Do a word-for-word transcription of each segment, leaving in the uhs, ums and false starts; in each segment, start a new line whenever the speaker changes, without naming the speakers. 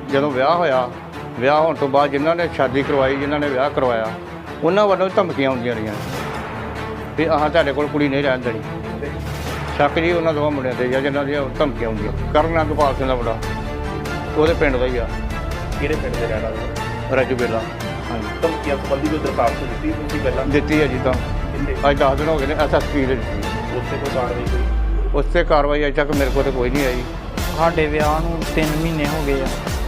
ਜਦੋਂ ਵਿਆਹ ਹੋਇਆ ਵਿਆਹ ਹੋਣ ਤੋਂ ਬਾਅਦ ਜਿਨ੍ਹਾਂ ਨੇ ਸ਼ਾਦੀ ਕਰਵਾਈ ਜਿਨ੍ਹਾਂ ਨੇ ਵਿਆਹ ਕਰਵਾਇਆ ਉਹਨਾਂ ਵੱਲੋਂ ਧਮਕੀਆਂ ਆਉਂਦੀਆਂ ਰਹੀਆਂ ਵੀ ਆਹ ਤੁਹਾਡੇ ਕੋਲ ਕੁੜੀ ਨਹੀਂ ਰਹਿਣ ਦੇਣੀ। ਸ਼ੱਕ ਜੀ ਉਹਨਾਂ ਦੋਵਾਂ ਮੁੰਡਿਆਂ 'ਤੇ ਜਾਂ ਜਿਨ੍ਹਾਂ ਦੀਆਂ ਧਮਕੀਆਂ ਆਉਂਦੀਆਂ। ਕਰਨ ਅੰਗਪਾਲ ਸਿੰਘ ਦਾ ਮੁੰਡਾ ਉਹਦੇ ਪਿੰਡ ਦਾ ਹੀ ਆ।
ਕਿਹੜੇ ਪਿੰਡ ਦੇ ਰਹਿਣ ਵਾਲੇ?
ਰਾਜੂ ਬੇਲਾ। ਹਾਂਜੀ।
ਧਮਕੀਆਂ ਸੰਬੰਧੀ ਕੋਈ ਦਰਖਾਸਤ ਦਿੱਤੀ ਤੁਸੀਂ ਪਹਿਲਾਂ?
ਦਿੱਤੀ ਹੈ ਜੀ ਤਾਂ ਅੱਜ ਦਸ ਦਿਨ ਹੋ ਗਏ ਨੇ ਐਸ ਐਸ ਪੀ ਦੇ ਦਿੱਤੀ।
ਉੱਥੇ ਕੋਈ ਕਾਰਵਾਈ ਹੋਈ?
ਉੱਥੇ ਕਾਰਵਾਈ ਅਜੇ ਤੱਕ ਮੇਰੇ ਕੋਲ ਤਾਂ ਕੋਈ ਨਹੀਂ ਆਈ।
ਸਾਡੇ ਵਿਆਹ ਨੂੰ ਤਿੰਨ ਮਹੀਨੇ ਹੋ ਗਏ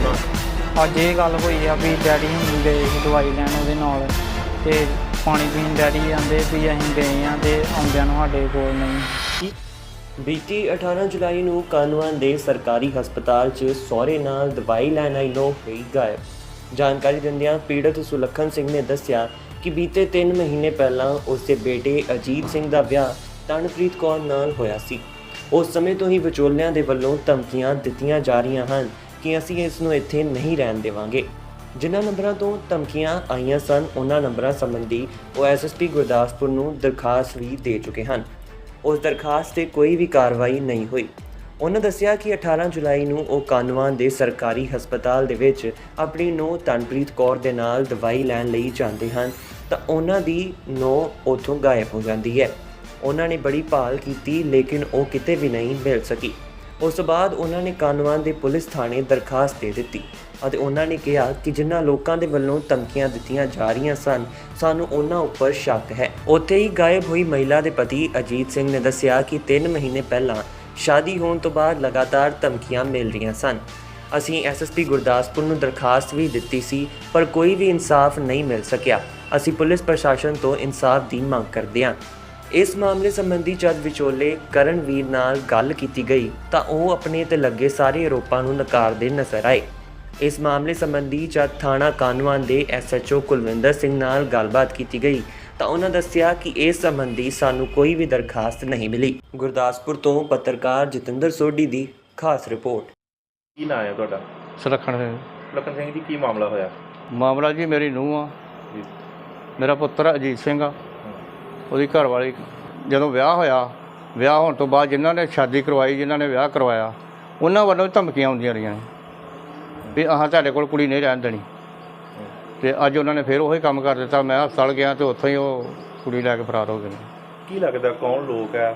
ਆ। ਅੱਜ ਇਹ ਗੱਲ ਹੋਈ ਆ ਵੀ ਡੈਡੀ ਹੁਣ ਗਏ ਸੀ ਦਵਾਈ ਲੈਣ ਉਹਦੇ ਨਾਲ, ਅਤੇ ਪਾਣੀ ਪੀਣ ਡੈਡੀ ਆਂਦੇ ਵੀ ਅਸੀਂ ਗਏ ਹਾਂ ਅਤੇ ਆਉਂਦਿਆਂ ਨੂੰ ਸਾਡੇ ਕੋਲ ਨਹੀਂ।
ਬੀਤੀ ਅਠਾਰਾਂ ਜੁਲਾਈ ਨੂੰ ਕਾਹਨੂੰਵਾਨ ਦੇ ਸਰਕਾਰੀ ਹਸਪਤਾਲ 'ਚ ਸਹੁਰੇ ਨਾਲ ਦਵਾਈ ਲੈਣ ਆਈ ਨੂੰ ਹੋਈ ਗਾਇਬ। ਜਾਣਕਾਰੀ ਦਿੰਦਿਆਂ ਪੀੜਤ ਸੁਲੱਖਣ ਸਿੰਘ ਨੇ ਦੱਸਿਆ ਕਿ ਬੀਤੇ ਤਿੰਨ ਮਹੀਨੇ ਪਹਿਲਾਂ ਉਸ ਦੇ ਬੇਟੇ ਅਜੀਤ ਸਿੰਘ ਦਾ ਵਿਆਹ ਤਨਪ੍ਰੀਤ ਕੌਰ ਨਾਲ ਹੋਇਆ ਸੀ। ਉਸ ਸਮੇਂ ਤੋਂ ਹੀ ਵਿਚੋਲਿਆਂ ਦੇ ਵੱਲੋਂ ਧਮਕੀਆਂ ਦਿੱਤੀਆਂ ਜਾ ਰਹੀਆਂ ਹਨ ਕਿ ਅਸੀਂ ਇਸ ਨੂੰ ਇੱਥੇ ਨਹੀਂ ਰਹਿਣ ਦੇਵਾਂਗੇ। ਜਿਨ੍ਹਾਂ ਨੰਬਰਾਂ ਤੋਂ ਧਮਕੀਆਂ ਆਈਆਂ ਸਨ ਉਹਨਾਂ ਨੰਬਰਾਂ ਸੰਬੰਧੀ ਉਹ ਐਸ ਐਸ ਪੀ ਗੁਰਦਾਸਪੁਰ ਨੂੰ ਦਰਖਾਸਤ ਵੀ ਦੇ ਚੁੱਕੇ ਹਨ। ਉਸ ਦਰਖਾਸਤ 'ਤੇ ਕੋਈ ਵੀ ਕਾਰਵਾਈ ਨਹੀਂ ਹੋਈ। ਉਹਨਾਂ ਦੱਸਿਆ ਕਿ ਅਠਾਰਾਂ ਜੁਲਾਈ ਨੂੰ ਉਹ ਕਾਹਨੂੰਵਾਨ ਦੇ ਸਰਕਾਰੀ ਹਸਪਤਾਲ ਦੇ ਵਿੱਚ ਆਪਣੀ ਨੂੰਹ ਤਨਪ੍ਰੀਤ ਕੌਰ ਦੇ ਨਾਲ ਦਵਾਈ ਲੈਣ ਲਈ ਜਾਂਦੇ ਹਨ ਤਾਂ ਉਹਨਾਂ ਦੀ ਨੂੰਹ ਉੱਥੋਂ ਗਾਇਬ ਹੋ ਜਾਂਦੀ ਹੈ। ਉਹਨਾਂ ਨੇ ਬੜੀ ਭਾਲ ਕੀਤੀ ਲੇਕਿਨ ਉਹ ਕਿਤੇ ਵੀ ਨਹੀਂ ਮਿਲ ਸਕੀ। ਉਸ ਤੋਂ ਬਾਅਦ ਉਹਨਾਂ ਨੇ ਕਾਹਨੂੰਵਾਨ ਦੇ ਪੁਲਿਸ ਥਾਣੇ ਦਰਖਾਸਤ ਦੇ ਦਿੱਤੀ ਅਤੇ ਉਹਨਾਂ ਨੇ ਕਿਹਾ ਕਿ ਜਿਨ੍ਹਾਂ ਲੋਕਾਂ ਦੇ ਵੱਲੋਂ ਧਮਕੀਆਂ ਦਿੱਤੀਆਂ ਜਾ ਰਹੀਆਂ ਸਨ ਸਾਨੂੰ ਉਹਨਾਂ ਉੱਪਰ ਸ਼ੱਕ ਹੈ। ਉੱਥੇ ਹੀ ਗਾਇਬ ਹੋਈ ਮਹਿਲਾ ਦੇ ਪਤੀ ਅਜੀਤ ਸਿੰਘ ਨੇ ਦੱਸਿਆ ਕਿ ਤਿੰਨ ਮਹੀਨੇ ਪਹਿਲਾਂ ਸ਼ਾਦੀ ਹੋਣ ਤੋਂ ਬਾਅਦ ਲਗਾਤਾਰ ਧਮਕੀਆਂ ਮਿਲ ਰਹੀਆਂ ਸਨ। ਅਸੀਂ ਐਸ ਐਸ ਪੀ ਗੁਰਦਾਸਪੁਰ ਨੂੰ ਦਰਖਾਸਤ ਵੀ ਦਿੱਤੀ ਸੀ ਪਰ ਕੋਈ ਵੀ ਇਨਸਾਫ ਨਹੀਂ ਮਿਲ ਸਕਿਆ। ਅਸੀਂ ਪੁਲਿਸ ਪ੍ਰਸ਼ਾਸਨ ਤੋਂ ਇਨਸਾਫ ਦੀ ਮੰਗ ਕਰਦੇ ਹਾਂ। ਇਸ ਮਾਮਲੇ ਸੰਬੰਧੀ ਜਦ ਵਿਚੋਲੇ ਕਰਨਵੀਰ ਨਾਲ ਗੱਲ ਕੀਤੀ ਗਈ ਤਾਂ ਉਹ ਆਪਣੇ ਤੇ ਲੱਗੇ ਸਾਰੇ ਆਰੋਪਾਂ ਨੂੰ ਨਕਾਰਦੇ ਨਜ਼ਰ ਆਏ। ਇਸ ਮਾਮਲੇ ਸੰਬੰਧੀ ਜਦ ਥਾਣਾ ਕਾਹਨੂੰਵਾਨ ਦੇ S H O Kulwinder Singh ਨਾਲ ਗੱਲਬਾਤ ਕੀਤੀ ਗਈ ਤਾਂ ਉਹਨਾਂ ਦੱਸਿਆ ਕਿ ਇਸ ਸੰਬੰਧੀ ਸਾਨੂੰ ਕੋਈ ਵੀ ਦਰਖਾਸਤ ਨਹੀਂ ਮਿਲੀ। ਗੁਰਦਾਸਪੁਰ ਤੋਂ ਪੱਤਰਕਾਰ ਜਤਿੰਦਰ ਸੋਢੀ ਦੀ ਖਾਸ ਰਿਪੋਰਟ।
ਕੀ ਨਾਂ ਹੈ ਤੁਹਾਡਾ?
ਸੁਲੱਖਣ ਸਿੰਘ।
ਸੁਲੱਖਣ ਸਿੰਘ ਜੀ, ਕੀ ਮਾਮਲਾ ਹੋਇਆ?
ਮਾਮਲਾ ਜੀ ਮੇਰੀ ਨੂੰਹ ਆ, ਮੇਰਾ ਪੁੱਤਰ ਅਜੀਤ ਸਿੰਘ ਆ, ਉਹਦੀ ਘਰ ਵਾਲੀ। ਜਦੋਂ ਵਿਆਹ ਹੋਇਆ ਵਿਆਹ ਹੋਣ ਤੋਂ ਬਾਅਦ ਜਿਨ੍ਹਾਂ ਨੇ ਸ਼ਾਦੀ ਕਰਵਾਈ ਜਿਨ੍ਹਾਂ ਨੇ ਵਿਆਹ ਕਰਵਾਇਆ ਉਹਨਾਂ ਵੱਲੋਂ ਧਮਕੀਆਂ ਆਉਂਦੀਆਂ ਰਹੀਆਂ ਵੀ ਆਹ ਤੁਹਾਡੇ ਕੋਲ ਕੁੜੀ ਨਹੀਂ ਰਹਿਣ ਦੇਣੀ। ਅਤੇ ਅੱਜ ਉਹਨਾਂ ਨੇ ਫਿਰ ਉਹੀ ਕੰਮ ਕਰ ਦਿੱਤਾ। ਮੈਂ ਹਸਪਤਾਲ ਗਿਆ ਅਤੇ ਉੱਥੋਂ ਹੀ ਉਹ ਕੁੜੀ ਲੈ ਕੇ ਫਰਾਰ ਹੋ ਗਏ ਨੇ।
ਕੀ ਲੱਗਦਾ ਕੌਣ ਲੋਕ ਹੈ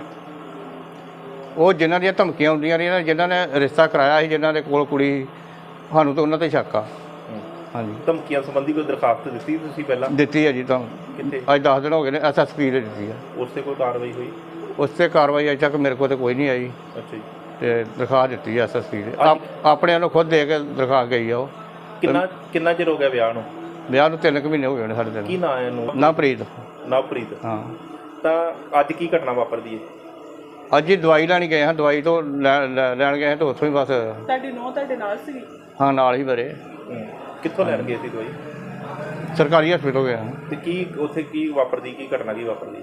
ਉਹ ਜਿਨ੍ਹਾਂ ਦੀਆਂ ਧਮਕੀਆਂ ਆਉਂਦੀਆਂ ਰਹੀਆਂ ਜਿਨ੍ਹਾਂ ਨੇ ਰਿਸ਼ਤਾ ਕਰਾਇਆ ਸੀ ਜਿਨ੍ਹਾਂ ਦੇ ਕੋਲ ਕੁੜੀ, ਸਾਨੂੰ ਤਾਂ ਉਹਨਾਂ 'ਤੇ ਸ਼ੱਕ ਆ। ਹਾਂਜੀ।
ਧਮਕੀਆਂ ਸੰਬੰਧੀ ਕੋਈ ਦਰਖਾਸਤ ਦਿੱਤੀ ਤੁਸੀਂ ਪਹਿਲਾਂ?
ਦਿੱਤੀ ਹੈ ਜੀ ਤਾਂ
ਕਿੱਥੇ?
ਅੱਜ ਦਸ ਦਿਨ ਹੋ ਗਏ ਨੇ ਐਸ ਐਸ ਪੀ ਦੇ ਦਿੱਤੀ ਆ।
ਉਸ 'ਤੇ ਕੋਈ ਕਾਰਵਾਈ ਹੋਈ?
ਉਸ 'ਤੇ ਕਾਰਵਾਈ ਅਜੇ ਤੱਕ ਮੇਰੇ ਕੋਲ ਤਾਂ ਕੋਈ ਨਹੀਂ ਆਈ।
ਅੱਛਾ ਜੀ।
ਅਤੇ ਦਰਖਾਸਤ ਦਿੱਤੀ ਐਸ ਐਸ ਪੀ ਦੇ ਆਪ ਆਪਣੇ ਨੂੰ ਖੁਦ ਦੇ ਕੇ ਦਰਖਾਸਤ ਗਈ ਆ। ਉਹ
ਕਿੰਨਾ ਕਿੰਨਾ ਚਿਰ ਹੋ ਗਿਆ ਵਿਆਹ ਨੂੰ?
ਵਿਆਹ ਨੂੰ ਤਿੰਨ ਕੁ ਮਹੀਨੇ ਹੋ ਗਏ ਨੇ ਸਾਡੇ ਦਿਨ।
ਕੀ ਨਾਂ ਹੈ ਇਹਨੂੰ?
ਨਵਪ੍ਰੀਤ।
ਨਵਪ੍ਰੀਤ।
ਹਾਂ।
ਤਾਂ ਅੱਜ ਕੀ ਘਟਨਾ ਵਾਪਰਦੀ ਹੈ?
ਅੱਜ ਹੀ ਦਵਾਈ ਲੈਣ ਗਏ ਹਾਂ, ਦਵਾਈ ਤੋਂ ਲੈ ਲੈਣ ਗਏ ਹਾਂ ਤਾਂ ਉੱਥੋਂ ਹੀ ਬਸ।
ਤੁਹਾਡੀ ਨੂੰਹ ਤੁਹਾਡੇ ਨਾਲ ਸੀ?
ਹਾਂ, ਨਾਲ ਹੀ ਮੇਰੇ।
ਕਿੱਥੋਂ ਲੈਣ ਗਏ ਸੀ ਦਵਾਈ?
ਸਰਕਾਰੀ ਹਸਪੀਟਲ ਗਿਆ।
ਅਤੇ ਕੀ ਉੱਥੇ ਕੀ ਵਾਪਰਦੀ, ਕੀ ਘਟਨਾ ਕੀ ਵਾਪਰਦੀ?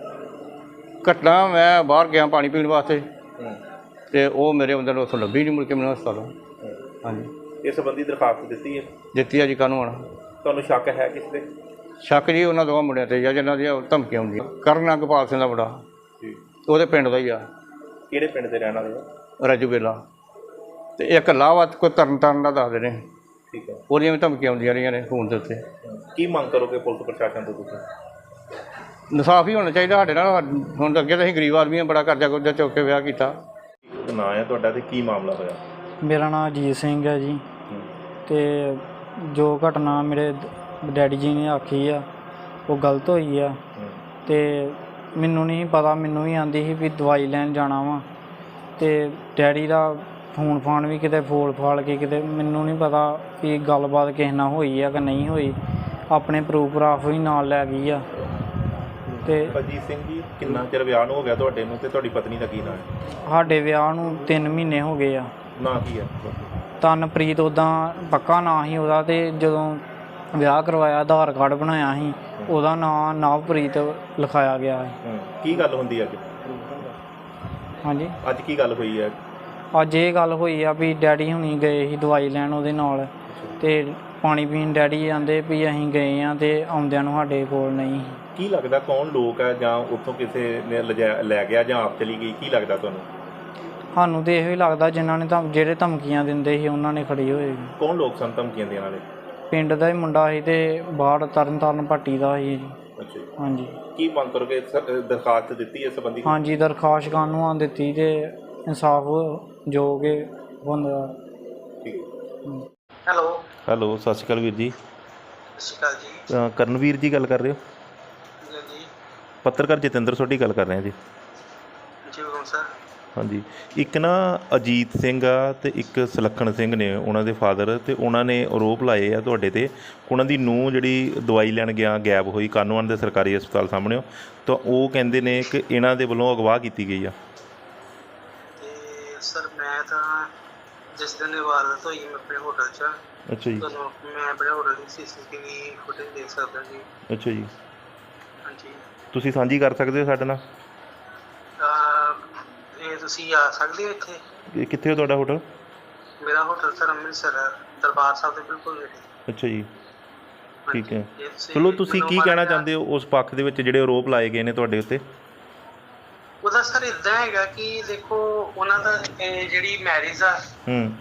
ਘਟਨਾ ਮੈਂ ਬਾਹਰ ਗਿਆ ਪਾਣੀ ਪੀਣ ਵਾਸਤੇ ਅਤੇ ਉਹ ਮੇਰੇ ਅੰਦਰ ਉੱਥੋਂ ਲੱਭੀ ਨਹੀਂ, ਮੁੜ ਕੇ ਮੈਨੂੰ ਹਸਪਤਾਲ। ਹਾਂਜੀ।
ਇਸ ਸੰਬੰਧੀ ਦਰਖਾਸਤ ਦਿੱਤੀ ਹੈ?
ਦਿੱਤੀ ਆ ਜੀ ਕਾਹਨੂੰਨ।
ਤੁਹਾਨੂੰ ਸ਼ੱਕ ਹੈ ਕਿਸ 'ਤੇ?
ਸ਼ੱਕ ਜੀ ਉਹਨਾਂ ਦੋਵਾਂ ਮੁੰਡਿਆਂ 'ਤੇ ਜਾਂ ਜਿਨ੍ਹਾਂ ਦੀਆਂ ਧਮਕੀਆਂ ਆਉਂਦੀਆਂ। ਕਰਨ ਅੰਗਪਾਲ ਸਿੰਘ ਦਾ ਮੁੰਡਾ ਉਹਦੇ ਪਿੰਡ ਦਾ ਹੀ ਆ।
ਕਿਹੜੇ ਪਿੰਡ ਦੇ ਰਹਿਣ ਵਾਲੇ ਆ?
ਰਾਜੂ ਬੇਲਾ। ਅਤੇ ਇੱਕ ਲਾਹਵਤ ਕੋਈ ਤਰਨ ਤਾਰਨ ਦਾ ਦੱਸਦੇ ਨੇ।
ਠੀਕ ਹੈ।
ਉਹਦੀਆਂ ਵੀ ਧਮਕੀਆਂ ਆਉਂਦੀਆਂ ਰਹੀਆਂ ਨੇ ਫੋਨ ਦੇ ਉੱਤੇ।
ਕੀ ਮੰਗ ਕਰੋਗੇ ਪੁਲਿਸ ਪ੍ਰਸ਼ਾਸਨ ਤੋਂ ਤੁਸੀਂ?
ਇਨਸਾਫ ਹੀ ਹੋਣਾ ਚਾਹੀਦਾ ਸਾਡੇ ਨਾਲ। ਹੁਣ ਅੱਗੇ ਤਾਂ ਅਸੀਂ ਗਰੀਬ ਆਦਮੀ ਹਾਂ, ਬੜਾ ਕਰਜ਼ਾ ਕੁਰਜ਼ਾ ਚੁੱਕ ਕੇ ਵਿਆਹ ਕੀਤਾ।
ਨਾਂ ਹੈ ਤੁਹਾਡਾ ਅਤੇ ਕੀ ਮਾਮਲਾ ਹੋਇਆ?
ਮੇਰਾ ਨਾਮ ਅਜੀਤ ਸਿੰਘ ਹੈ ਜੀ। ਅਤੇ ਜੋ ਘਟਨਾ ਮੇਰੇ ਡੈਡੀ ਜੀ ਨੇ ਆਖੀ ਆ ਉਹ ਗਲਤ ਹੋਈ ਆ। ਅਤੇ ਮੈਨੂੰ ਨਹੀਂ ਪਤਾ, ਮੈਨੂੰ ਵੀ ਆਂਦੀ ਸੀ ਵੀ ਦਵਾਈ ਲੈਣ ਜਾਣਾ ਵਾ ਅਤੇ ਡੈਡੀ ਦਾ ਫੋਨ ਫਾਨ ਵੀ ਕਿਤੇ ਫੋਲ ਫਾਲ ਕੇ ਕਿਤੇ, ਮੈਨੂੰ ਨਹੀਂ ਪਤਾ ਵੀ ਗੱਲਬਾਤ ਕਿਸੇ ਨਾਲ ਹੋਈ ਆ ਕਿ ਨਹੀਂ ਹੋਈ। ਆਪਣੇ ਪ੍ਰੂਫ ਪ੍ਰਾਫ ਵੀ ਨਾਲ ਲੈ ਗਈ ਆ। ਅਤੇ
ਅਜੀਤ ਸਿੰਘ ਜੀ, ਕਿੰਨਾ ਚਿਰ ਵਿਆਹ ਨੂੰ ਹੋ ਗਿਆ ਤੁਹਾਡੇ ਨੂੰ, ਅਤੇ ਤੁਹਾਡੀ ਪਤਨੀ ਦਾ ਕੀ ਨਾਂ ਹੈ?
ਸਾਡੇ ਵਿਆਹ ਨੂੰ ਤਿੰਨ ਮਹੀਨੇ ਹੋ ਗਏ ਆ।
ਨਾਂ ਕੀ ਹੈ?
ਤਨਪ੍ਰੀਤ ਉੱਦਾਂ ਪੱਕਾ ਨਾਂ ਸੀ ਉਹਦਾ, ਅਤੇ ਜਦੋਂ ਵਿਆਹ ਕਰਵਾਇਆ ਆਧਾਰ ਕਾਰਡ ਬਣਾਇਆ ਸੀ ਉਹਦਾ ਨਾਂ ਨਵਪ੍ਰੀਤ ਲਿਖਾਇਆ ਗਿਆ ਹੈ।
ਕੀ ਗੱਲ ਹੁੰਦੀ ਅੱਜ?
ਹਾਂਜੀ।
ਅੱਜ ਕੀ ਗੱਲ ਹੋਈ ਹੈ?
ਅੱਜ ਇਹ ਗੱਲ ਹੋਈ ਆ ਵੀ ਡੈਡੀ ਹੁਣੀ ਗਏ ਸੀ ਦਵਾਈ ਲੈਣ ਉਹਦੇ ਨਾਲ, ਅਤੇ ਪਾਣੀ ਪੀਣ ਡੈਡੀ ਆਂਦੇ ਵੀ ਅਸੀਂ ਗਏ ਹਾਂ ਅਤੇ ਆਉਂਦਿਆਂ ਨੂੰ ਸਾਡੇ ਕੋਲ ਨਹੀਂ।
ਕੀ ਲੱਗਦਾ ਕੌਣ ਲੋਕ ਹੈ, ਜਾਂ ਉੱਥੋਂ ਕਿਸੇ ਨੇ ਲਿਜਾ ਲੈ ਗਿਆ ਜਾਂ ਆਪ ਚਲੀ ਗਈ? ਕੀ ਲੱਗਦਾ ਤੁਹਾਨੂੰ?
ਸਾਨੂੰ ਤੇ ਇਹੋ ਹੀ ਲੱਗਦਾ ਜਿਨ੍ਹਾਂ ਨੇ ਤਾਂ ਜਿਹੜੇ ਧਮਕੀਆਂ ਦਿੰਦੇ ਸੀ ਉਹਨਾਂ ਨੇ ਖੜੀ ਹੋਏ।
ਕੌਣ ਲੋਕ ਸਨ ਧਮਕੀਆਂ ਦੇਣ ਵਾਲੇ?
ਪਿੰਡ ਦਾ ਹੀ ਮੁੰਡਾ ਸੀ ਤੇ ਬਾਹਰ ਤਰਨ ਤਾਰਨ ਪੱਟੀ ਦਾ ਸੀ ਜੀ।
ਅੱਛਾ ਜੀ।
ਹਾਂਜੀ
ਕੀ ਮੰਗ ਕਰੋਗੇ? ਸ- ਦਰਖਾਸਤ ਦਿੱਤੀ ਇਸ ਸੰਬੰਧੀ?
ਹਾਂਜੀ ਦਰਖਾਸਤ ਕਾਨੂੰਨ ਦਿੱਤੀ ਤੇ ਇਨਸਾਫ ਜੋ ਕਿ ਹੁੰਦਾ।
ਠੀਕ।
ਹੈਲੋ
ਹੈਲੋ, ਸਤਿ ਸ਼੍ਰੀ ਅਕਾਲ ਵੀਰ ਜੀ।
ਸਤਿ ਸ਼੍ਰੀ ਅਕਾਲ ਜੀ।
ਅ, ਕਰਨਵੀਰ ਜੀ ਗੱਲ ਕਰ ਰਹੇ ਹੋ?
ਜੀ ਜੀ
ਪੱਤਰਕਾਰ ਜਤਿੰਦਰ ਸੋਢੀ ਗੱਲ ਕਰ ਰਹੇ ਹਾਂ ਜੀ।
ਜੀ ਹੁਕਮ ਸਰ।
ਹਾਂਜੀ, ਇੱਕ ਨਾ ਅਜੀਤ ਸਿੰਘ ਆ ਅਤੇ ਇੱਕ ਸੁਲੱਖਣ ਸਿੰਘ ਨੇ ਉਹਨਾਂ ਦੇ ਫਾਦਰ, ਅਤੇ ਉਹਨਾਂ ਨੇ ਆਰੋਪ ਲਾਏ ਆ ਤੁਹਾਡੇ 'ਤੇ। ਉਹਨਾਂ ਦੀ ਨੂੰਹ ਜਿਹੜੀ ਦਵਾਈ ਲੈਣ ਗਿਆ ਗਾਇਬ ਹੋਈ ਕਾਹਨੂੰਵਾਨ ਦੇ ਸਰਕਾਰੀ ਹਸਪਤਾਲ ਸਾਹਮਣੇ, ਤਾਂ ਉਹ ਕਹਿੰਦੇ ਨੇ ਕਿ ਇਹਨਾਂ ਦੇ ਵੱਲੋਂ ਅਗਵਾਹ ਕੀਤੀ ਗਈ ਆ।
ਤੇ ਸਰ ਮੈਂ ਤਾਂ ਜਿਸ ਦਿਨ ਇਹ ਵਾਰਦਾਤ ਹੋਈ ਮੈਂ ਆਪਣੇ ਹੋਟਲ 'ਚ।
ਅੱਛਾ ਜੀ।
ਤੁਹਾਨੂੰ ਮੈਂ ਆਪਣੇ ਹੋਟਲ ਦੀ C C T V footage ਦੇਖ ਸਕਦਾ ਜੀ।
ਅੱਛਾ ਜੀ,
ਹਾਂਜੀ।
ਤੁਸੀਂ ਸਾਂਝੀ ਕਰ ਸਕਦੇ ਹੋ ਸਾਡੇ ਨਾਲ?
ਅਹ ਇਹ ਤੁਸੀਂ ਆ ਸਕਦੇ ਹੋ ਇੱਥੇ?
ਇਹ ਕਿੱਥੇ ਹੋ ਤੁਹਾਡਾ ਹੋਟਲ?
ਮੇਰਾ ਹੋਟਲ ਸਰ ਅੰਮ੍ਰਿਤਸਰ ਹੈ, ਦਰਬਾਰ ਸਾਹਿਬ ਦੇ ਬਿਲਕੁਲ ਨੇੜੇ।
ਅੱਛਾ ਜੀ, ਠੀਕ ਹੈ।
ਜੇ ਤੁਸੀਂ
ਚਲੋ, ਤੁਸੀਂ
ਮੈਨੂੰ
ਕੀ ਕਹਿਣਾ
ਮਾੜਾ
ਚਾਹੁੰਦੇ ਹੋ ਉਸ ਪੱਖ ਦੇ ਵਿੱਚ ਜਿਹੜੇ ਆਰੋਪ ਲਾਏ ਗਏ ਨੇ ਤੁਹਾਡੇ ਉੱਤੇ?
ਉਹਦਾ ਸਰ ਇੱਦਾਂ ਹੈਗਾ ਕਿ ਦੇਖੋ ਉਹਨਾਂ ਦਾ ਇਹ ਜਿਹੜੀ ਮੈਰਿਜ ਆ
ਹੂੰ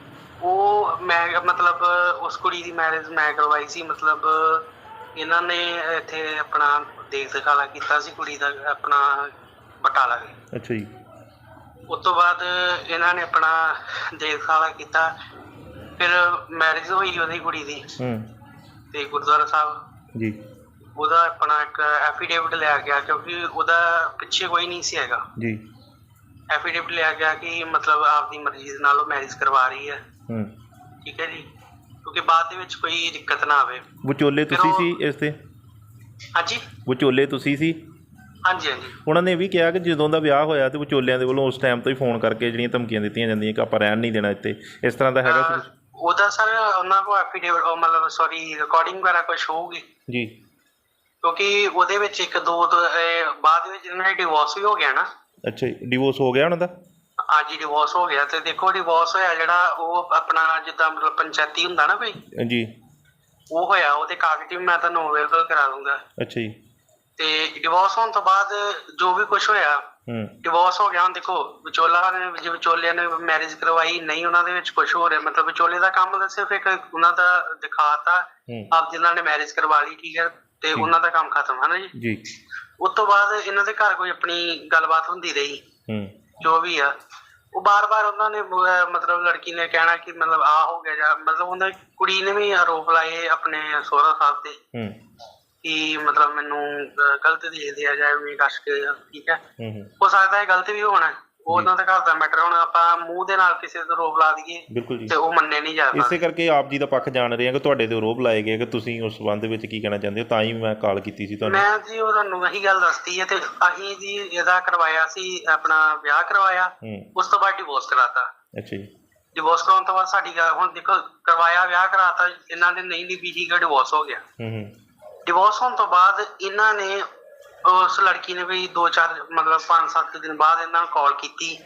ਉਹ ਮੈਂ ਮਤਲਬ ਉਸ ਕੁੜੀ ਦੀ ਮੈਰਿਜ ਮੈਂ ਕਰਵਾਈ ਸੀ। ਮਤਲਬ ਇਹਨਾਂ ਨੇ ਇੱਥੇ ਆਪਣਾ ਦੇਖ ਦਿਖਾਲਾ ਕੀਤਾ ਸੀ ਕੁੜੀ ਦਾ ਆਪਣਾ ਬਟਾਲਾ ਦੇ।
ਅੱਛਾ ਜੀ।
ਉਸ ਤੋਂ ਬਾਅਦ ਇਹਨਾਂ ਨੇ ਆਪਣਾ ਦੇਖ ਦਿਖਾਲਾ ਕੀਤਾ, ਫਿਰ ਮੈਰਿਜ ਹੋਈ ਉਹਦੀ ਕੁੜੀ ਦੀ
ਹੂੰ
ਤੇ ਗੁਰਦੁਆਰਾ ਸਾਹਿਬ
ਜੀ
ਉਹਦਾ ਆਪਣਾ ਇੱਕ ਐਫੀਡੇਵਿਟ ਲਿਆ ਗਿਆ, ਕਿਉਂਕਿ ਉਹਦਾ ਪਿੱਛੇ ਕੋਈ ਨਹੀਂ ਸੀ ਹੈਗਾ।
ਜੀ।
ਐਫੀਡੇਵਿਟ ਲਿਆ ਗਿਆ ਕਿ ਮਤਲਬ ਆਪਦੀ ਮਰਜ਼ੀ ਦੇ ਨਾਲ ਉਹ ਮੈਰਿਜ ਕਰਵਾ ਰਹੀ ਹੈ।
ਹੂੰ
ਠੀਕ ਹੈ ਜੀ, ਕਿਉਂਕਿ ਬਾਅਦ ਦੇ ਵਿੱਚ ਕੋਈ ਦਿੱਕਤ ਨਾ ਆਵੇ।
ਵਿਚੋਲੇ ਤੁਸੀਂ ਸੀ ਇਸ 'ਤੇ?
ਹਾਂਜੀ
ਵਿਚੋਲੇ ਤੁਸੀਂ ਸੀ?
ਹਾਂਜੀ ਹਾਂਜੀ।
ਉਹਨਾਂ ਨੇ ਇਹ ਵੀ ਕਿਹਾ ਕਿ ਜਦੋਂ ਦਾ ਵਿਆਹ ਹੋਇਆ ਤੇ ਵਿਚੋਲਿਆਂ ਦੇ ਵੱਲੋਂ ਉਸ ਟਾਈਮ ਤੋਂ ਹੀ ਫੋਨ ਕਰਕੇ ਜਿਹੜੀਆਂ ਧਮਕੀਆਂ ਦਿੱਤੀਆਂ ਜਾਂਦੀਆਂ ਕਿ ਆਪਾਂ ਰਹਿਣ ਨਹੀਂ ਦੇਣਾ ਇੱਥੇ, ਇਸ ਤਰ੍ਹਾਂ ਦਾ ਹੈਗਾ ਸੀ ਕੁਛ?
ਉਹਦਾ ਸਰ ਉਹਨਾਂ ਕੋਲ ਐਫੀਡੇਵਿਟ ਮਤਲਬ ਸੌਰੀ ਰਿਕਾਰਡਿੰਗ ਵਗੈਰਾ ਕੁਛ ਹੋਊਗੀ,
ਜੀ।
ਕਿਉਂਕਿ ਉਹਦੇ ਵਿੱਚ ਇੱਕ ਦੋ ਦੋ, ਇਹ ਬਾਅਦ ਵਿੱਚ ਇਹਨਾਂ ਦਾ ਡਿਵੋਰਸ ਵੀ ਹੋ ਗਿਆ ਨਾ।
ਅੱਛਾ ਜੀ, ਡਿਵੋਰਸ ਹੋ ਗਿਆ ਉਹਨਾਂ ਦਾ?
ਅੱਜ ਹੀ ਡਿਵੋਰਸ ਹੋ ਗਿਆ। ਤੇ ਦੇਖੋ ਡਿਵੋਰਸ ਹੋਇਆ ਜਿਹੜਾ ਉਹ ਆਪਣਾ ਜਿੱਦਾਂ ਮਤਲਬ ਪੰਚਾਇਤੀ ਹੁੰਦਾ ਨਾ ਕੋਈ,
ਜੀ।
ਉਹ ਹੋਇਆ। ਉਹਦੇ ਕਾਗਜ਼ ਵੀ ਮੈਂ ਤੁਹਾਨੂੰ ਅਵੇਲੇਬਲ ਕਰਾ ਦੂੰਗਾ।
ਅੱਛਾ ਜੀ।
ਤੇ ਡਿਵੋਰਸ ਹੋਣ ਤੋਂ ਬਾਅਦ ਜੋ ਵੀ ਕੁਛ ਹੋਇਆ,
ਹੂੰ
ਡਿਵੋਰਸ ਹੋ ਗਿਆ। ਹੁਣ ਦੇਖੋ ਵਿਚੋਲਾ ਨੇ ਜੇ ਵਿਚੋਲਿਆਂ ਨੇ ਮੈਰਿਜ ਕਰਵਾਈ ਨਹੀਂ, ਉਹਨਾਂ ਦੇ ਵਿੱਚ ਕੁਛ ਹੋ ਰਿਹਾ ਮਤਲਬ ਵਿਚੋਲੇ ਦਾ ਕੰਮ ਸਿਰਫ ਇੱਕ ਉਹਨਾਂ ਦਾ ਦਿਖਾਤਾ
ਹੂੰ
ਆਪ ਜਿਨ੍ਹਾਂ ਨੇ ਮੈਰਿਜ ਕਰਵਾ ਲਈ, ਠੀਕ ਹੈ, ਤੇ ਉਹਨਾਂ ਦਾ ਕੰਮ ਖਤਮ ਹੈ ਨਾ ਜੀ।
ਜੀ।
ਉਸ ਤੋਂ ਬਾਅਦ ਇਹਨਾਂ ਦੇ ਘਰ ਕੋਈ ਆਪਣੀ ਗੱਲਬਾਤ ਹੁੰਦੀ ਰਹੀ,
ਹੂੰ
ਜੋ ਵੀ ਆ ਉਹ ਬਾਰ-ਬਾਰ ਉਹਨਾਂ ਨੇ ਅਹ ਮਤਲਬ ਲੜਕੀ ਨੇ ਕਹਿਣਾ ਕਿ ਮਤਲਬ ਆ ਹੋ ਗਿਆ ਜਾਂ ਮਤਲਬ ਉਹਨਾਂ ਕੁੜੀ ਨੇ ਵੀ ਆਰੋਪ ਲਾਏ ਆਪਣੇ ਸਹੁਰਾ ਸਾਹਿਬ ਤੇ
ਹੂੰ
ਕਿ ਮਤਲਬ ਮੈਨੂੰ ਅਹ ਗਲਤ ਦੇ ਦਿਆ ਜਾਏ ਵੀ ਕੱਸ ਕੇ। ਠੀਕ ਹੈ,
ਹੂੰ ਹੂੰ
ਹੋ ਸਕਦਾ ਹੈ ਗਲਤ ਵੀ ਹੋਣਾ, ਉਹ ਉਹਨਾਂ ਦੇ ਘਰ ਦਾ ਮੈਟਰ। ਹੁਣ ਆਪਾਂ ਮੂੰਹ ਦੇ ਨਾਲ ਕਿਸੇ ਤੇ ਆਰੋਪ ਲਾ ਦਈਏ
ਬਿਲਕੁਲ ਜੀ।
ਤੇ ਉਹ ਮੰਨੇ ਨਹੀਂ ਜਾ
ਇਸੇ ਕਰਕੇ ਆਪ ਜੀ ਦਾ ਪੱਖ ਜਾਣ ਰਹੇ ਹਾਂ ਕਿ ਤੁਹਾਡੇ ਤੇ ਆਰੋਪ ਲਾਏ ਗਏ, ਕਿ ਤੁਸੀਂ ਉਸ ਸੰਬੰਧ ਵਿੱਚ ਕੀ ਕਹਿਣਾ ਚਾਹੁੰਦੇ ਹੋ, ਤਾਂ ਹੀ ਮੈਂ ਕਾਲ ਕੀਤੀ ਸੀ ਤੁਹਾਨੂੰ।
ਮੈਂ ਜੀ ਉਹ ਤੁਹਾਨੂੰ ਇਹੀ ਗੱਲ ਦੱਸਤੀ ਹੈ। ਤੇ ਅਸੀਂ ਜੀ ਇਹਦਾ ਕਰਵਾਇਆ ਸੀ, ਆਪਣਾ ਵਿਆਹ ਕਰਵਾਇਆ,
ਹੂੰ
ਉਸ ਤੋਂ ਬਾਅਦ ਡਿਵੋਰਸ ਕਰਾਤਾ।
ਅੱਛਾ ਜੀ।
ਡਿਵੋਰਸ ਕਰਾਉਣ ਤੋਂ ਬਾਅਦ ਸਾਡੀ ਗੱਲ ਹੁਣ ਦੇਖੋ ਕਰਵਾਇਆ ਵਿਆਹ ਕਰਾਤਾ, ਇਹਨਾਂ ਦੇ ਨਹੀਂ ਦੀ ਬੀਜੀ ਦਾ ਡਿਵੋਰਸ ਹੋ ਗਿਆ।
ਹੂੰ ਹੂੰ
ਡਿਵੋਰਸ ਹੋਣ ਤੋਂ ਬਾਅਦ ਇਹਨਾਂ ਨੇ ਉਸ ਲੜਕੀ ਨੇ ਵੀ ਦੋ ਚਾਰ ਮਤਲਬ ਪੰਜ ਸੱਤ ਦਿਨ ਬਾਅਦ ਇਹਨਾਂ ਨੂੰ ਕਾਲ ਕੀਤੀ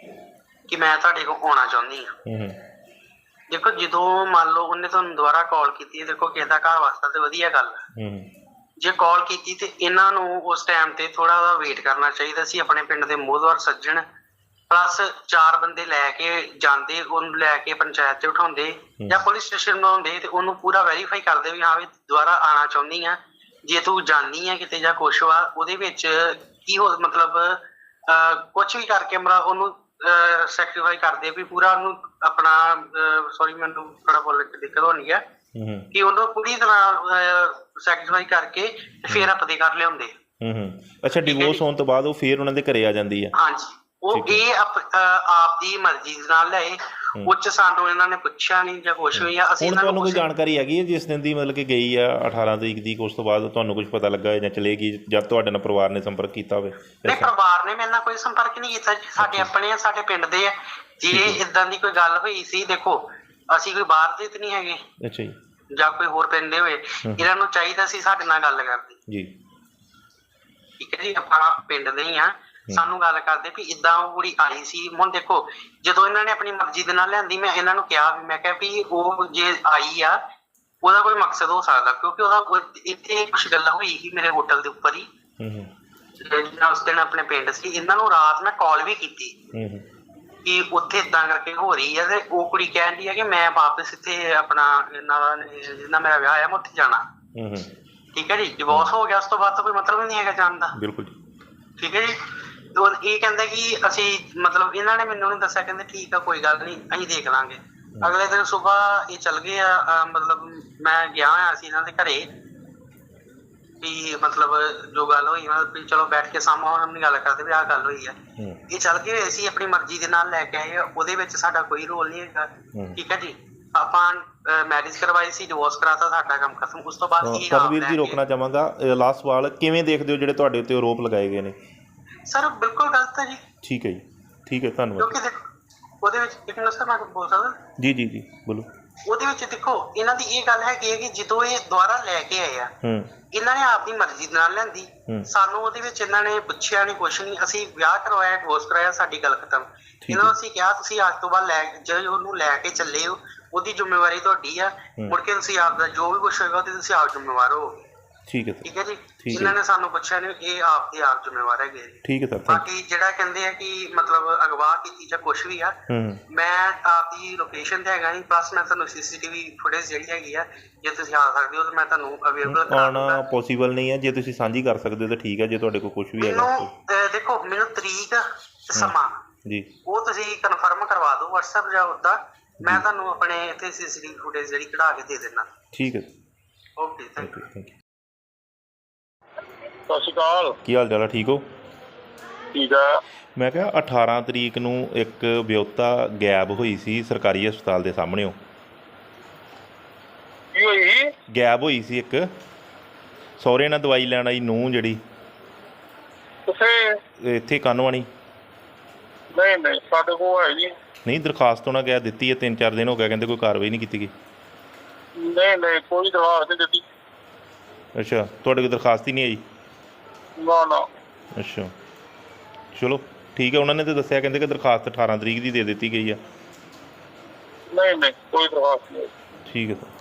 ਕਿ ਮੈਂ ਤੁਹਾਡੇ ਕੋਲ ਆਉਣਾ ਚਾਹੁੰਦੀ ਹਾਂ।
ਹੂੰ ਹੂੰ
ਦੇਖੋ ਜਦੋਂ ਮੰਨ ਲਓ ਉਹਨੇ ਤੁਹਾਨੂੰ ਦੁਬਾਰਾ ਕਾਲ ਕੀਤੀ ਹੈ, ਦੇਖੋ ਕਿਸੇ ਦਾ ਘਰ ਵਾਸਤਾ ਤੇ ਵਧੀਆ ਗੱਲ ਹੈ।
ਹੂੰ
ਜੇ ਕਾਲ ਕੀਤੀ ਤੇ ਇਹਨਾਂ ਨੂੰ ਉਸ ਟਾਈਮ ਤੇ ਥੋੜਾ ਉਹਦਾ ਵੇਟ ਕਰਨਾ ਚਾਹੀਦਾ ਸੀ। ਆਪਣੇ ਪਿੰਡ ਦੇ ਮੋਹਦਵਾਰ ਸੱਜਣ ਪਲੱਸ ਚਾਰ ਬੰਦੇ ਲੈ ਕੇ ਜਾਂਦੇ, ਉਹਨੂੰ ਲੈ ਕੇ ਪੰਚਾਇਤ ਤੇ ਉਠਾਉਂਦੇ ਜਾਂ ਪੁਲਿਸ ਸਟੇਸ਼ਨ ਬਣਾਉਂਦੇ ਤੇ ਉਹਨੂੰ ਪੂਰਾ ਵੈਰੀਫਾਈ ਕਰਦੇ ਵੀ ਹਾਂ ਵੀ ਦੁਬਾਰਾ ਆਉਣਾ ਚਾਹੁੰਦੀ ਆ, ਜੇ ਤੂੰ ਜਾਣੀ ਆ ਕਿਤੇ ਜਾਂ ਕੁਛ ਵਾ ਉਹਦੇ ਵਿੱਚ ਕੀ ਹੋ ਮਤਲਬ ਕੁਛ ਵੀ ਕਰਕੇ ਮਰਾ ਉਹਨੂੰ ਸੈਕਰੀਫਾਈ ਕਰਦੇ ਵੀ ਪੂਰਾ ਉਹਨੂੰ ਆਪਣਾ ਸੌਰੀ ਮੈਨੂੰ ਥੋੜਾ ਬੋਲਣ ਚ ਦਿੱਕਤ ਹੋਣੀ ਹੈ ਕਿ ਉਹਨੂੰ ਪੂਰੀ ਤਰ੍ਹਾਂ ਸੈਕਰੀਫਾਈ ਕਰਕੇ ਤੇ ਫੇਰ ਆਪਦੇ ਕਰ ਲਿਆਉਂਦੇ।
ਹੂੰ ਹੂੰ ਅੱਛਾ, ਡਿਵੋਰਸ ਹੋਣ ਤੋਂ ਬਾਅਦ ਉਹ ਫੇਰ ਉਹਨਾਂ ਦੇ ਘਰੇ ਆ ਜਾਂਦੀ ਹੈ?
ਹਾਂਜੀ, ਉਹ ਇਹ ਆਪ ਦੀ ਮਰਜ਼ੀ ਨਾਲ ਲਿਆਏ, ਉੱਚ ਸਾਨੂੰ ਇਹਨਾਂ ਨੇ ਪੁੱਛਿਆ ਨਹੀਂ ਜਾਂ ਕੁਛ ਵੀ ਆ। ਅਸੀਂ
ਹੁਣ ਤੁਹਾਨੂੰ ਕੋਈ ਜਾਣਕਾਰੀ ਹੈਗੀ ਹੈ ਜਿਸ ਦਿਨ ਦੀ ਮਤਲਬ ਕਿ ਗਈ ਆ ਅਠਾਰਾਂ ਤਰੀਕ ਦੀ, ਉਸ ਤੋਂ ਬਾਅਦ ਤੁਹਾਨੂੰ ਕੁਝ ਪਤਾ ਲੱਗਾ ਜਾਂ ਚਲੇਗੀ ਜਦ ਤੁਹਾਡੇ ਨਾਲ ਪਰਿਵਾਰ ਨੇ ਸੰਪਰਕ ਕੀਤਾ ਹੋਵੇ?
ਨਹੀਂ, ਪਰਿਵਾਰ ਨੇ ਮੇਰੇ ਨਾਲ ਕੋਈ ਸੰਪਰਕ ਨਹੀਂ ਕੀਤਾ ਜੀ। ਸਾਡੇ ਆਪਣੇ ਆ, ਸਾਡੇ ਪਿੰਡ ਦੇ ਆ। ਜੇ ਇਦਾਂ ਦੀ ਕੋਈ ਗੱਲ ਹੋਈ ਸੀ, ਦੇਖੋ ਅਸੀਂ ਕੋਈ ਬਾਹਰ ਦੇ ਤੇ ਨਹੀਂ ਹੈਗੇ।
ਅੱਛਾ ਜੀ।
ਜਾਂ ਕੋਈ ਹੋਰ ਪਿੰਡ ਦੇ ਹੋਏ, ਇਹਨਾਂ ਨੂੰ ਚਾਹੀਦਾ ਸੀ ਸਾਡੇ ਨਾਲ ਗੱਲ ਕਰਦੇ
ਜੀ।
ਠੀਕ ਹੈ ਜੀ, ਆਪਾਂ ਪਿੰਡ ਦੇ ਹੀ ਆ, ਸਾਨੂੰ ਗੱਲ ਕਰਦੇ ਵੀ ਇਦਾਂ ਉਹ ਕੁੜੀ ਆਈ ਸੀ। ਹੁਣ ਦੇਖੋ ਜਦੋਂ ਇਹਨਾਂ ਨੇ ਆਪਣੀ ਮਰਜ਼ੀ ਦੇ ਨਾਲ ਲਿਆਂਦੀ, ਮੈਂ ਇਹਨਾਂ ਨੂੰ ਕਿਹਾ ਵੀ ਮੈਂ ਕਿਹਾ ਵੀ ਉਹ ਜੇ ਆਈ ਆ ਉਹਦਾ ਕੋਈ ਮਕਸਦ ਹੋ ਸਕਦਾ, ਕਿਉਂਕਿ ਉਹਦਾ ਇੱਥੇ ਕੁਛ ਗੱਲਾਂ ਹੋਈ ਸੀ ਮੇਰੇ ਹੋਟਲ ਦੇ ਉੱਪਰ ਹੀ।
ਹੂੰ ਹੂੰ
ਉਸ ਦਿਨ ਆਪਣੇ ਪਿੰਡ ਸੀ, ਇਹਨਾਂ ਨੂੰ ਰਾਤ ਮੈਂ ਕਾਲ ਵੀ ਕੀਤੀ ਕਿ ਉੱਥੇ ਇਦਾਂ ਕਰਕੇ ਹੋ ਰਹੀ ਹੈ, ਤੇ ਉਹ ਕੁੜੀ ਕਹਿਣ ਦੀ ਹੈ ਕਿ ਮੈਂ ਵਾਪਸ ਇੱਥੇ ਆਪਣਾ ਇਹਨਾਂ ਦਾ ਜਿੰਨਾ ਮੇਰਾ ਵਿਆਹ ਆ ਮੈਂ ਉੱਥੇ ਜਾਣਾ।
ਹੂੰ ਹੂੰ
ਠੀਕ ਹੈ ਜੀ, ਡਿਵੋਰਸ ਹੋ ਗਿਆ ਉਸ ਤੋਂ ਬਾਅਦ ਤਾਂ ਕੋਈ ਮਤਲਬ ਹੀ ਨਹੀਂ ਹੈਗਾ ਜਾਣ ਦਾ।
ਬਿਲਕੁਲ ਜੀ।
ਠੀਕ ਹੈ ਜੀ, ਤੇ ਉਹ ਇਹ ਕਹਿੰਦਾ ਕਿ ਅਸੀਂ ਮਤਲਬ ਇਹਨਾਂ ਨੇ ਮੈਨੂੰ ਨਹੀਂ ਦੱਸਿਆ, ਕਹਿੰਦੇ ਠੀਕ ਆ ਕੋਈ ਗੱਲ ਨਹੀਂ ਅਸੀਂ ਦੇਖ ਲਾਂਗੇ। ਅਗਲੇ ਦਿਨ ਸਵੇਰ ਇਹ ਚੱਲ ਗਏ ਆ, ਅਹ ਮਤਲਬ ਮੈਂ ਗਿਆ ਹੋਇਆ ਸੀ ਇਹਨਾਂ ਦੇ ਘਰੇ ਵੀ ਮਤਲਬ ਜੋ ਗੱਲ ਹੋਈ ਮਤਲਬ ਵੀ ਚਲੋ ਬੈਠ ਕੇ ਸਾਹਮਣੇ ਆਪਣੀ ਗੱਲ ਕਰਦੇ ਵੀ ਆਹ ਗੱਲ ਹੋਈ ਆ। ਇਹ ਚੱਲ ਗਏ ਹੋਏ ਸੀ ਆਪਣੀ ਮਰਜ਼ੀ ਦੇ ਨਾਲ ਲੈ ਕੇ ਆਏ ਆ, ਉਹਦੇ ਵਿੱਚ ਸਾਡਾ ਕੋਈ ਰੋਲ ਨਹੀਂ ਹੈਗਾ। ਠੀਕ ਹੈ ਜੀ, ਆਪਾਂ ਮੈਰਿਜ ਕਰਵਾਈ ਸੀ, ਡਿਵੋਰਸ ਕਰਾਤਾ, ਸਾਡਾ ਕੰਮ ਖਤਮ। ਉਸ ਤੋਂ ਬਾਅਦ ਇਹ
ਪਰਮਵੀਰ ਜੀ ਰੋਕਣਾ ਚਾਹਾਂਗਾ, ਲਾਸਟ ਸਵਾਲ, ਕਿਵੇਂ ਦੇਖਦੇ ਹੋ ਜਿਹੜੇ ਤੁਹਾਡੇ ਉੱਤੇ ਆਰੋਪ ਲਗਾਏ ਗਏ ਨੇ?
ਸਰ ਬਿਲਕੁਲ ਗਲਤ ਹੈ ਜੀ।
ਠੀਕ ਹੈ ਜੀ, ਠੀਕ ਹੈ, ਧੰਨਵਾਦ।
ਕਿਉਂਕਿ ਦੇਖੋ ਉਹਦੇ ਵਿੱਚ ਇੱਕ ਮਿੰਟ ਸਰ ਮੈਂ ਬੋਲ ਸਕਦਾ?
ਜੀ ਜੀ ਜੀ ਬੋਲੋ।
ਉਹਦੇ ਵਿੱਚ ਦੇਖੋ ਇਹਨਾਂ ਦੀ ਇਹ ਗੱਲ ਹੈਗੀ ਹੈ ਕਿ ਜਦੋਂ ਇਹ ਦੁਬਾਰਾ ਲੈ ਕੇ ਆਏ ਆ,
ਹੂੰ
ਇਹਨਾਂ ਨੇ ਆਪਦੀ ਮਰਜ਼ੀ ਦੇ ਨਾਲ ਲੈਂਦੀ, ਸਾਨੂੰ ਉਹਦੇ ਵਿੱਚ ਇਹਨਾਂ ਨੇ ਪੁੱਛਿਆ ਨਹੀਂ ਕੁਛ ਨਹੀਂ। ਅਸੀਂ ਵਿਆਹ ਕਰਵਾਇਆ, ਡਿਵੋਰਸ ਕਰਾਇਆ, ਸਾਡੀ ਗੱਲ ਖਤਮ। ਇਹਨਾਂ ਨੂੰ ਅਸੀਂ ਕਿਹਾ ਤੁਸੀਂ ਅੱਜ ਤੋਂ ਬਾਅਦ ਲੈ ਜੇ ਉਹਨੂੰ ਲੈ ਕੇ ਚੱਲੇ ਹੋ ਉਹਦੀ ਜ਼ਿੰਮੇਵਾਰੀ ਤੁਹਾਡੀ ਆ, ਮੁੜ ਕੇ ਤੁਸੀਂ ਆਪਦਾ ਜੋ ਵੀ ਕੁਛ ਹੋਏਗਾ ਉਹਦੀ ਤੁਸੀਂ ਆਪ ਜ਼ਿੰਮੇਵਾਰ ਹੋ।
ਠੀਕ ਹੈ
ਠੀਕ ਹੈ ਜੀ, ਇਹਨਾਂ ਨੇ ਸਾਨੂੰ ਪੁੱਛਿਆ ਨਹੀਂ, ਇਹ ਆਪ ਦੇ ਆਪ ਜ਼ਿੰਮੇਵਾਰ ਹੈਗੇ।
ਠੀਕ ਹੈ ਸਰ।
ਬਾਕੀ ਜਿਹੜਾ ਕਹਿੰਦੇ ਆ ਕਿ ਮਤਲਬ ਅਗਵਾ ਕੀਤੀ ਜਾਂ ਕੁਛ ਵੀ ਆ, ਮੈਂ ਆਪਦੀ ਲੋਕੇਸ਼ਨ ਤੇ ਹੈਗਾ ਜੀ, ਪਲੱਸ ਮੈਂ ਤੁਹਾਨੂੰ ਸੀਸੀਟੀਵੀ ਫੁਟੇਜ ਜਿਹੜੀ ਹੈਗੀ ਆ ਜੇ ਤੁਸੀਂ ਆ ਸਕਦੇ ਹੋ ਤਾਂ ਮੈਂ ਤੁਹਾਨੂੰ ਅਵੇਲੇਬਲ ਕਰਾ ਦੂੰਗਾ।
ਆਉਣਾ ਪੋਸੀਬਲ ਨਹੀਂ ਹੈ, ਜੇ ਤੁਸੀਂ ਸਾਂਝੀ ਕਰ ਸਕਦੇ ਹੋ ਤਾਂ ਠੀਕ ਹੈ, ਜੇ ਤੁਹਾਡੇ ਕੋਲ ਕੁਝ ਵੀ ਹੈਗਾ।
ਮੈਨੂੰ ਦੇਖੋ ਮੈਨੂੰ ਤਰੀਕ ਸਮਾਂ
ਜੀ ਉਹ
ਤੁਸੀਂ ਕਨਫਰਮ ਕਰਵਾ ਦਿਓ WhatsApp ਜਾਂ ਉੱਦਾਂ, ਮੈਂ ਤੁਹਾਨੂੰ ਆਪਣੇ ਇੱਥੇ ਸੀਸੀਟੀਵੀ ਫੁਟੇਜ ਜਿਹੜੀ ਕਢਾ ਕੇ ਦੇ ਦੇਣਾ।
ਠੀਕ ਹੈ,
okay thank you.
Thank you.
ਸਤਿ ਸ਼੍ਰੀ ਅਕਾਲ।
ਕੀ ਹਾਲ ਚਾਲ ਹੈ? ਠੀਕ ਹੋ?
ਠੀਕ ਆ।
ਮੈਂ ਕਿਹਾ ਅਠਾਰਾਂ ਤਰੀਕ ਨੂੰ ਇੱਕ ਵਿਅਕਤਾ ਗਾਇਬ ਹੋਈ ਸੀ ਸਰਕਾਰੀ ਹਸਪਤਾਲ ਦੇ ਸਾਹਮਣੇੋਂ।
ਕੀ ਹੋਈ?
ਗਾਇਬ ਹੋਈ ਸੀ ਇੱਕ ਸਹੁਰੇ ਨਾਲ ਦਵਾਈ ਲੈਣ ਆਈ ਨੂੰਹ ਜਿਹੜੀ
ਕਿੱਥੇ?
ਇੱਥੇ ਕਾਨੋਵਾਣੀ।
ਨਹੀਂ ਨਹੀਂ ਸਾਡੇ ਕੋਲ ਹੈ ਜੀ।
ਨਹੀਂ ਦਰਖਾਸਤ ਉਹਨਾਂ ਗਿਆ ਦਿੱਤੀ ਹੈ, ਤਿੰਨ ਚਾਰ ਦਿਨ ਹੋ ਗਿਆ, ਕਹਿੰਦੇ ਕੋਈ ਕਾਰਵਾਈ ਨਹੀਂ ਕੀਤੀ ਗਈ।
ਨਹੀਂ ਨਹੀਂ ਕੋਈ ਦਰਖਾਸਤ ਨਹੀਂ ਦਿੱਤੀ।
ਅੱਛਾ, ਤੁਹਾਡੇ ਕੋਲ ਦਰਖਾਸਤ ਹੀ ਨਹੀਂ ਆਈ?
ਨਾ ਨਾ।
ਅੱਛਾ ਚਲੋ ਠੀਕ ਹੈ, ਉਹਨਾਂ ਨੇ ਤਾਂ ਦੱਸਿਆ ਕਹਿੰਦੇ ਕਿ ਦਰਖਾਸਤ ਅਠਾਰਾਂ ਤਰੀਕ ਦੀ ਦੇ ਦਿੱਤੀ ਗਈ ਆ।
ਨਹੀਂ ਨਹੀਂ ਕੋਈ ਦਰਖਾਸਤ ਨਹੀਂ।
ਠੀਕ ਹੈ ਸਰ।